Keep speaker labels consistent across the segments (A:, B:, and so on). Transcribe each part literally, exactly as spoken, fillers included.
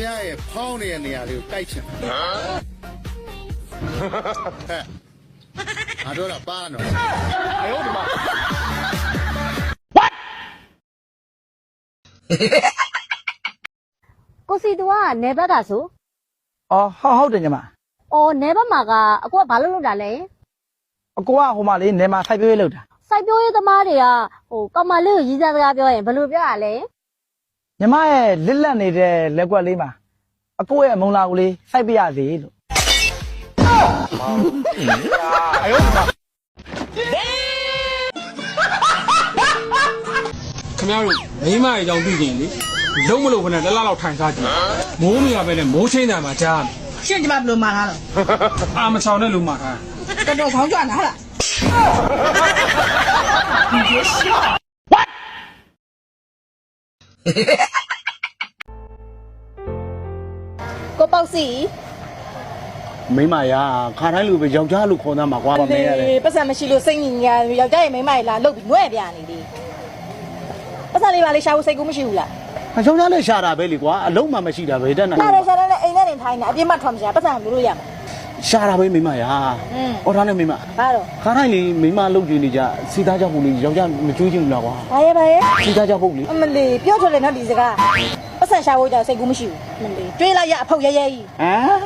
A: ရဲ့ဖောင်းနေတဲ့နေရာလေးကိုတိုက်ချင်တယ်ဟဲ့ငါတို့တော့ပါနော်အယောဒီမှာ
B: ကိုစီတူကနေဘက်ကဆို
C: အော်ဟုတ်ဟုတ်တယ်ညီမ
B: အော်နေဘက်မှာကအကိုကဘာလို့လုပ်တာလဲ
C: အကိုကဟိုမှာလေးနေမှာစိုက်ပျိုးရေးလုပ်တာ
B: စိုက်ပျိုးရေးသမားတွေကဟိုကောင်မလေးကိုရည်စားစကားပြောရင်ဘယ်လိုပြောရလဲ
C: ညီမရဲ့လစ်လက်နေတဲ့လက်ကွက်လေးမှာအကိုရဲ့မုံလာကိုလေးစိုက်ပြရစီလို့အယောမ
D: ခင်ဗျားတို့မိမရဲ့အကြောင်းသိကြရင်လေလုံးမလို့ခနဲ့လက်လောက်ထိုင်စားကြည့်မိုးမရပဲနဲ့မိုးချင်းတယ်မှာကြား
E: ရှင်းကြမှာဘယ်လိုမှာထားလဲ
D: အာမချောင်နဲ့လူမှာထား
E: တော်တော်ခေါင်းကြွနာလား
B: ကိုပေါ့စီ
A: မိမရာခါတိုင်းလူပဲယောက်ျားလူခေါ်သားမှာကွာမမဲရတယ်
B: ပတ်စံမရှိလို့စိတ်ညစ်ညာယောက်ျားရဲ့မိန်းမကြီးလာလှုပ်ပြီးငွဲ့ပြနေလေပတ်စံလေးပါလေရှာဖို့စိတ်ကူးမရှိဘူးလား
A: အယောက်ျားလည်းရှာတာပဲလေကွာအလုံးမှမရှိတာပဲတက်နေ
B: ရှာတယ်ရှာတယ်နဲ့အိမ်ထဲနေထိုင်နေအပြစ်မှထွက်မရှာပတ်စံလို့လို့ရမှာ
A: ရှာတာပဲမိမရာအော်ဒါနဲ့မိမ
B: ဘာတော့
A: ခါတိုင်းလေမိမလှုပ်ကြည့်နေကြစီသားကြောက်ဖို့လေယောက်ျားမကြွေးချင်ဘူးလားကွာ
B: ဘာရဲဘာရဲ
A: စီသားကြောက်ဖို့လေ
B: အမလီပြောထွက်လေနော်ဒီစကားပတ်စံရှာဖို့ကြောင့်စိတ်ကူးမရှိဘူးအမလီတွေးလိုက်ရအဖုတ်ရဲရဲကြီး
A: ဟမ်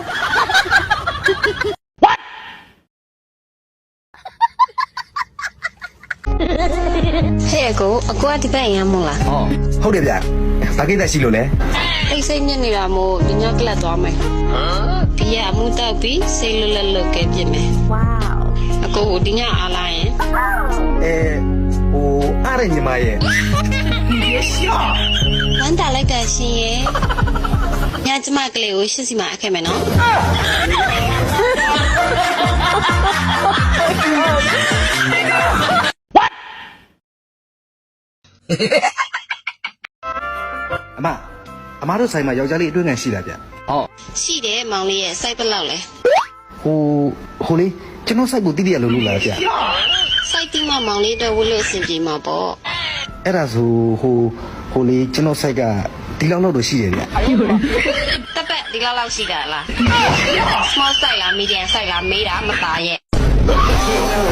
F: ဟဲ့ကိုအကွာဒီဘက်ရမ်းမို့လား
G: ဟောဟုတ်တယ်ဗျဘာကိစ္စရှိလို့လဲ
F: အိတ်စိတ်ညစ်နေတာမို့ဒီညကလပ်သွားမယ်ဒီရအမှုတောက်ပြီးစိတ်လွတ်လပ်လွတ်ကဲပြစ်မယ်ဝေါအကိုကိုဒီညအားလာရင်
G: အဲဟိုအားရညီမရဲ့
F: ဝမ်းတာလိုက်တာရှင်ရဲ့ညကျမကလေးကိုရှစ်စီမှာအခဲ့မယ်နော်
G: အမအမတို့ဆိုင်မှာယောက်ျားလေးအတွင်းခံရှိလားဗျ
F: ဟုတ်ရှိတယ်မောင်လေးရဲ့စိုက်ပလောက်လဲ
G: ဟိုဟိုလေးကျွန်တော်စိုက်ကိုတိတိရလို့လို့လားဗျ
F: စိုက်တိမမောင်လေးတော့ဝလို့အဆင်ပြေမှာပေါ့
G: အဲ့ဒါဆိုဟိုဟိုလေးကျွန်တော်စိုက်ကဒီလောက်လောက်တော့ရှိတယ်ဗျ
F: တပတ်ဒီလောက်လောက်ရှိတာလား small size လား medium size လားမေးတာမသားရဲ့